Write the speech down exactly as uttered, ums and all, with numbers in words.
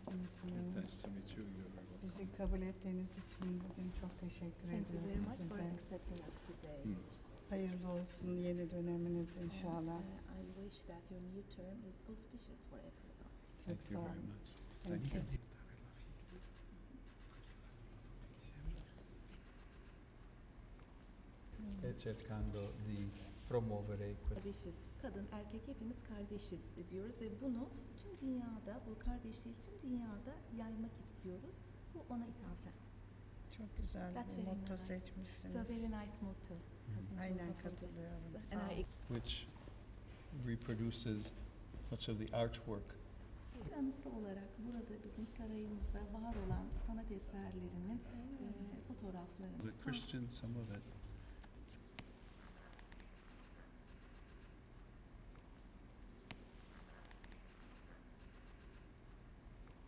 meeting. Nice to meet you. You're very welcome. Bizi kabul ettiğiniz için bugün çok teşekkür Thank you very ediyorum much for size. accepting us today. Hmm. Hayırlı olsun yeni döneminiz And, inşallah. uh, I wish that your new term is auspicious for everyone. Çok Thank sağ you very olun. much. Thank Thank you. you. E cercando di promuovere questo. Kardeşiz. Kadın, erkek hepimiz kardeşiz diyoruz ve bunu tüm dünyada, bu kardeşliği tüm dünyada yaymak istiyoruz. Bu ona ithafen. Çok güzel That's bir very motto nice. seçmişsiniz. So very nice motto. has been Aynen chosen for this. katılıyorum. And Sağ I olun. Which reproduces much of the artwork. Bir anısı olarak burada bizim sarayımızda var olan sanat eserlerinin e, fotoğraflarını. The Christian, some of it.